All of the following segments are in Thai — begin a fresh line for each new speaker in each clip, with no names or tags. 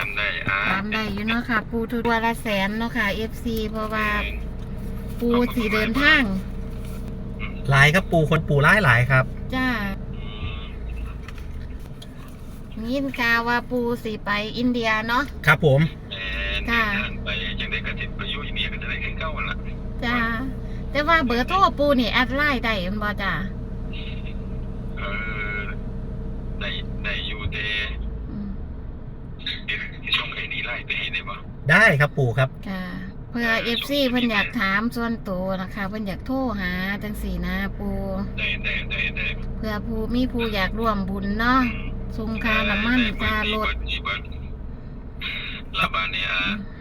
ามได้
ตามได้อยู่เนาะค่ะ ปูตัวละแสนเนาะค่ะ FC เพราะว่าปูสีเดินทาง
หลายครับปู่คนปู่หลายครับ
จ้ายินข่าวว่าปูสีไปอินเดียเนาะ
ครับผม
เดินทางไปจังได้กระติดไปอยู่อินเดียก็จะได้ขึ้นเก้าวันละ
จ้าแต่ว่าเบอร์โทรปูนี่แอดไลน์ได้บ่จ้า
ได้อยู่เด
อืม
ช่วงไอ้นี่ไล่ไปเห็นได้ปะ
ได้ครับปู่ครับ
ค่ะเพื่อ FC เพิ่นอยากถามส่วนตัวนะคะเพิ่นอยากโทรหาจังสี่นะปู
ได้
เพื่อมีผู้อยากร่วมบุญเนาะส่งค่าน้ำมันค่ารถ
ลาบาเนี่ย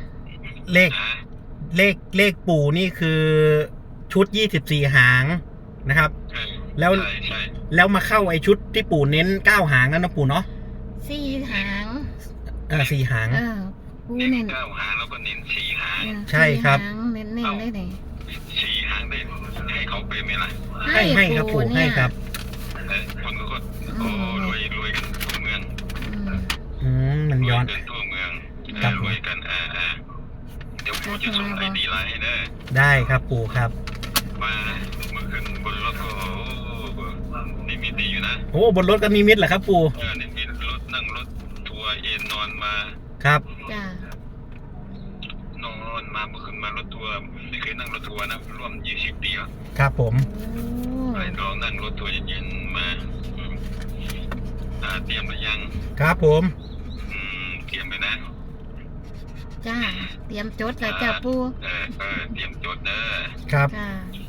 เลขปู่นี่คือชุด24หางนะครับ
ใช่
แล้วมาเข้าไอชุดที่ปู่เน้น9หางนั่นนะปู่เนาะ
4 หาง
4หาง
ปู
เน้
เน้
น
น
9 หางแล้วก็เน้น4 หาง
ใช่ครับ
4 หางเน้นได้เลย
4 หางได้ให้เขาไปไหมล่ะ
ให้ครับปู่ให้ครับ
คนก็รวยกันทั่วเมือง
มันย้อน
รวยกันทั่วเมือง
ครับ
รวยกันเดี๋ยวปู่จะส่งไอดีไลน์ให้ได้
ได้ครับปู่ครับ
มาเมื่อคืนบนรถก็นี่มีดีอยู่นะ
โอ้บนรถก็มีมิตรเหรอครับปู่
นี่มีรถนั่งรถทัวร์เอนนอนมา
ครับ
จ้าน
อนมาเมื่อคืนมารถทัวร์ไม่เคยนั่งรถทัวร์นะร่วม20 ปีแล้ว
ครับผม
ไปลองนั่งรถทัวร์เย็นๆมาเตรียมหรือยัง
ครับผม
เตรียมไปนะ
จ้าเตรียมจดแล้วจ้าปู
เตรียมจดเด้อ
ครับ
ค่ะ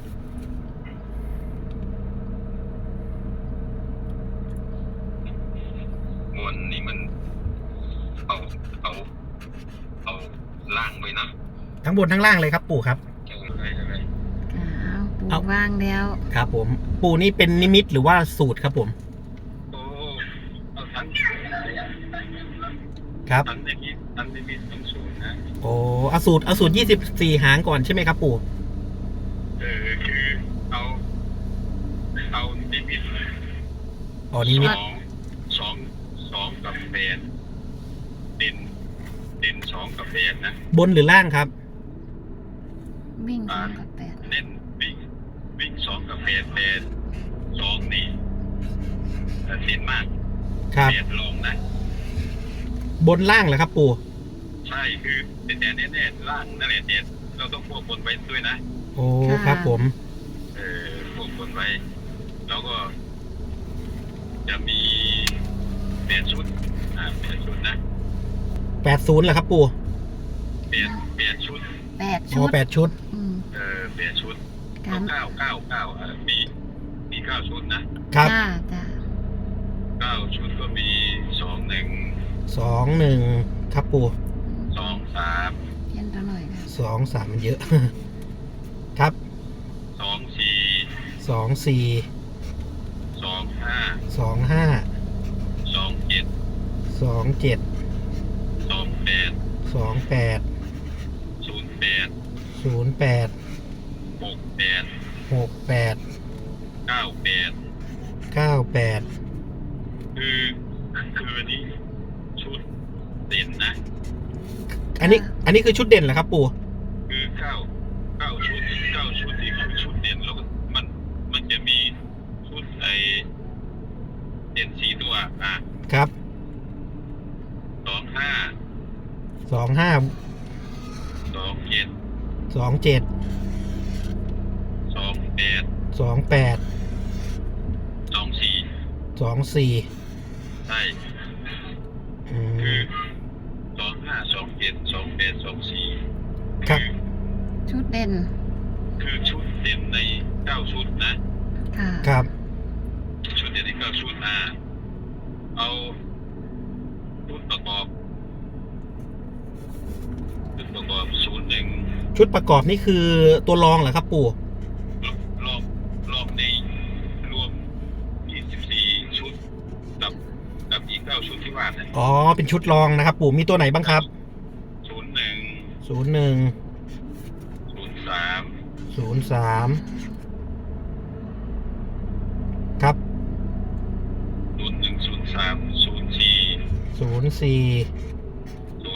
มวนนี่มันเอาล่างไว้นะ
ทั้งบนทั้งล่างเลยครับปู่ครับ
อะไร
ค่ะปู
เอา
ว่างแล้ว
ครับผม ปู่นี่เป็นนิมิตหรือว่าสูตรครับผม
โอ้เอาทั้ง
ครับ
ทั้งในนี้ทั้งในนี้ทั้งศูนย์นะ
โอ้เอาสูตร24หางก่อนใช่ไหมครับปู่
คือเอานิมิต
อ๋อนิมิต
สองกับแปดเด่น2 กับ 8นะ
บนหรือล่างครับ
วิ่ง2 กับ 8
เน้นวิ่ง2 กับ 8 2นี่เด่นมาก
ครับ
8ลงนะ
บนล่างเหรอครับปู่
ใช่คือแต่แน่ๆล่างนั่นแหละเด่นเราต้องควบคุมไว้ด้วยนะ
โอ้ครับผม
ควบคุมไว้แล้วก็จะมี8 ชุด8 ชุดนะ
80เหรอครับปู่
8 ชุด
8
โอ้
ชุด
8ชุด
8 ชุด
การ
9มี9 ชุดนะครับ
จ้าจ้า
9 ชุดก็มี
21ครับปู่
2 3
เพี้ยนตัวหน่อยค่ะ
2 3มันเยอะ ครับ
2 4
2 4
2 5
2 5
2 7
2 7
2 8
2 8
0 8
0 8
6 8
6 8
9 8
9 8
คืออันนี้ชุดเด่นนะ
อันนี้คือชุดเด่นเหรอครับปู่
คือ9 ชุดนี่คือชุดเด่นแล้วก็มันจะมีชุดเด่น4 ตัว
ครับ
2 5
2 5
2 7
2 7
2 8
2 8
2 4
2 4
ใช่คือ2 5 2 7 2 8 2 4
ครับ
ชุดเด่น
คือชุดเด่นใน9 ชุดนะ
ค่ะ
ครับ
ชุดเด่นใน9 ชุดเอาชุดประกอบ01
ชุดประกอบนี่คือตัวรองเหรอครับปู่
รอบในรวม24 ชุดกับอีก9 ชุดที่ว่านะ
อ๋อเป็นชุดรองนะครับปู่มีตัวไหนบ้างครับ
01
01
03
03ครับ
01 03 04
04
05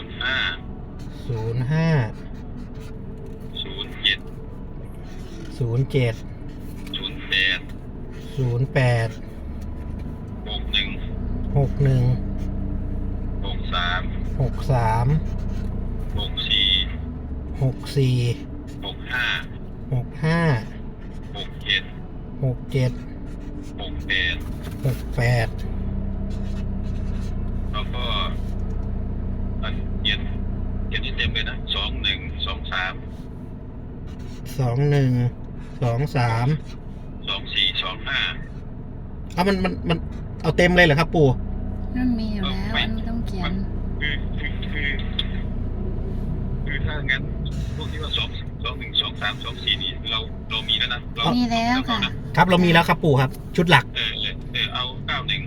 07
08
61
แล้วก็เขียนที่เต็มเลยนะ
เอามันเอาเต็มเลยเหรอครับปู่
มันมีอยู่แล้วอันนี้ต้องเขียน
คือถ้างั้นพวกที่ว่า212324นี่เรามีแล้วนะ
มีแล้วค่ะ
ครับเรามีแล้วครับปู่ครับชุดหลัก
เอา91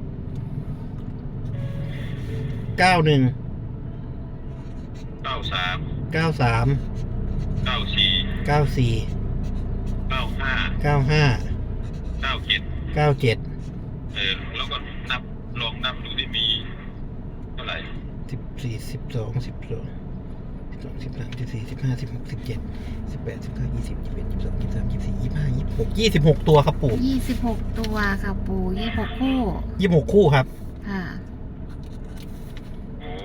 93 94 95 97 แล้วก็ลองนับดูที่มีเท่าไหร่
26 ตัวครับปู่
26 ตัวค่ะปู่26 คู่
26 คู่ครับ
ค่ะ
โอ้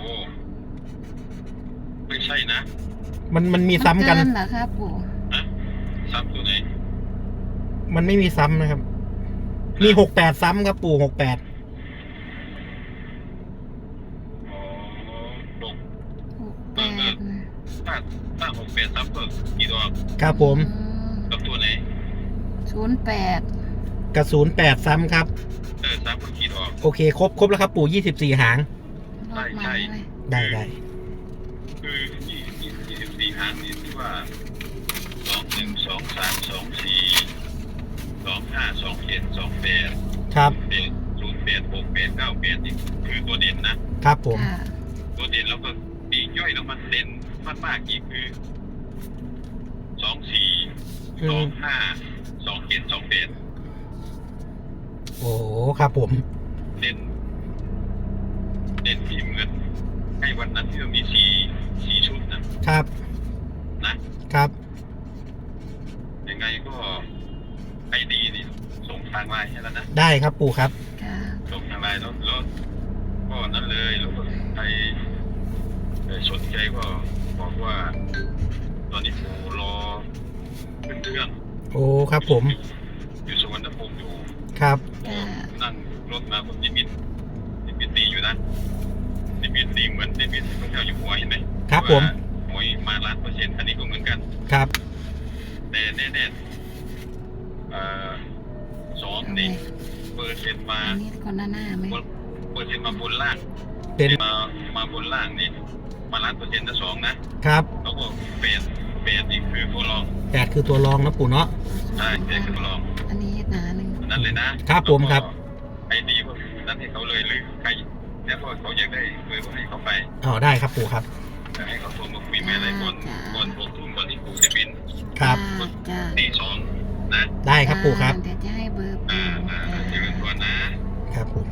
ไม่ใช่นะ
มันมีซ้ำกัน
เเหรอครับปู่
ฮะซ้ำตัวไหน
มันไม่มีซ้ำนะครับ มี68ซ้ำครับปู่68
ถ้า68ซ้ำก็กี่ตัว
ครับผม
กับตัวไหน
08
กับ08ซ้ำครับ
ซ้ำก็กี่ตัว
โอเคครบแล้วครับปู่24หาง
รอบมาเลย
ได้
คือ24หางนี่ที่ว่า21 23 24 25 27 28
ครับ
08 68 98นี่คือตัวเด่นนะครับ
ผม
ค่ะ
ตัวเด่นแล้วก็ปีกย่อยแล้วมันเด่นมากๆอีกคือ24 25 27 28
โอ้ครับผม
เด่นที่เหมือนให้วันนั้นที่เรามี4ชุดนะครับ ยังไงก็ไอดีนี่ส่งทางไลน์ให้แล้วนะ
ได้ครับปู่ครับ
ค่ะ
ส่งทางไลน์แล้วก็นั่นเลยแล้วก็ใครสนใจก็บอกว่า ตอนนี้ผมรอขึ้นเครื่อง
โอ้ครับผม
อยู่สุวรรณภูมิอยู่
ครับ
ค่ะ
นั่งรถมาผมนิมิตดีอยู่นะนิมิตดีเหมือนนิมิตพระเจ้าอยู่หัวเห็นไหม
ครับผม
หวยมา1,000%อันนี้ก็เหมือนกัน
ครับ
แต่แน่สองนี่เปอร์เซ็นต์มา
อันนี้คนหน้าไหม
เปอร์เซ็นต์มาบนล่าง
เป็น
มาบนล่างนี่มา1,000,000%นะ2นะครับ แล้วก็8นี่คือตัวรอง
8คือตัวรองนะปู่เนาะ
ใช่8คือตัวรอง
อันนี้หนาหนึ่ง
นั่นเลยนะครับ
ผมครับ
ไอ้ดีว่านั่นให้เขาเลยหรือใครแล้วก็เขาอยากได้เลยก็ให้เขาไป
ได้ครับปู่ครับ
แต่ให้เขาโทรมาคุยแม่อะไรก่อน6 ทุ่มก่อนที่ปู่จะบิน
ครับ
จ้า
ตี2นะ
ได้ครับปู่ครับ
เดี๋ยวจะให้เบอร์ปู่
เจอกันก่อนนะครับ
ผม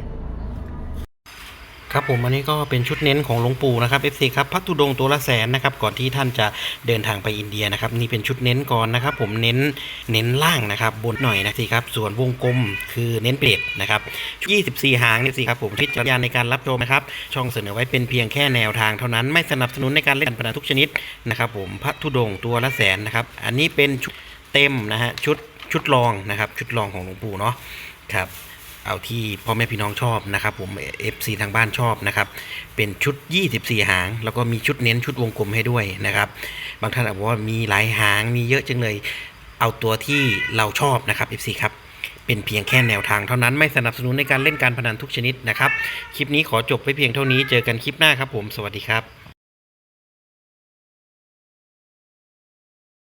ครับผมอันนี้ก็เป็นชุดเน้นของหลวงปู่นะครับ FC ครับพระธุดงค์ตัวละแสนนะครับก่อนที่ท่านจะเดินทางไปอินเดียนะครับนี่เป็นชุดเน้นก่อนนะครับผมเน้นล่างนะครับบนหน่อยนะสิครับส่วนวงกลมคือเน้นเปรตนะครับ24หางนี่สิครับผมพิจารณาในการรับชมนะครับช่องเสนอไว้เป็นเพียงแค่แนวทางเท่านั้นไม่สนับสนุนในการเล่นการพนันทุกชนิดนะครับผมพระธุดงค์ตัวละแสนนะครับอันนี้เป็นชุดเต็มนะฮะชุดรองนะครับชุดรองของหลวงปู่เนาะครับเอาที่พ่อแม่พี่น้องชอบนะครับผม FC ทางบ้านชอบนะครับเป็นชุด24หางแล้วก็มีชุดเน้นชุดวงกลมให้ด้วยนะครับบางท่านบอกว่ามีหลายหางมีเยอะจังเลยเอาตัวที่เราชอบนะครับ FC ครับเป็นเพียงแค่แนวทางเท่านั้นไม่สนับสนุนในการเล่นการพนันทุกชนิดนะครับคลิปนี้ขอจบไว้เพียงเท่านี้เจอกันคลิปหน้าครับผมสวัสดีครับ